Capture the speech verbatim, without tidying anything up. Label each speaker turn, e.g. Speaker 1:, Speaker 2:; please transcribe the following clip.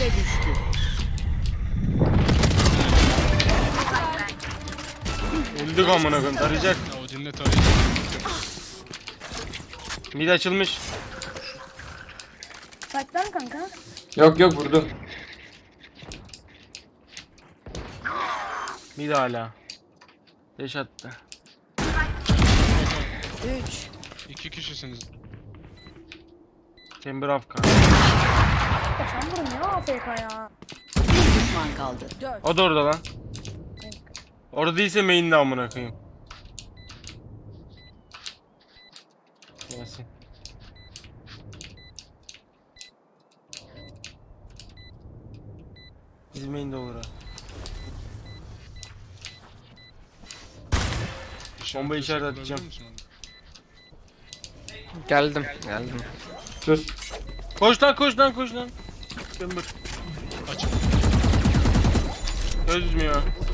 Speaker 1: B'de düştü.
Speaker 2: Öldük amına koyayım. Tarayacak.
Speaker 3: Ya o dinle tarayacak.
Speaker 2: Mid açılmış.
Speaker 4: Saklan kanka.
Speaker 5: Yok yok vurdu.
Speaker 2: Mid hala. Deş attı.
Speaker 4: üç.
Speaker 3: İki kişisiniz.
Speaker 2: Chamber Afka.
Speaker 4: Ya sen vurun ya A F K ya.
Speaker 1: Bir düşman kaldı. Dört.
Speaker 2: O da orada lan. Orada değilse main'de amına koyayım. Yasin. Bizim main'de olur ha. Bomba işaret
Speaker 3: kurabilir
Speaker 2: atacağım.
Speaker 3: misin onu?
Speaker 6: Geldim, geldim.
Speaker 5: Sus.
Speaker 2: Koş lan koş lan koş lan. Chamber.
Speaker 3: Açık.
Speaker 2: Çözmüyor.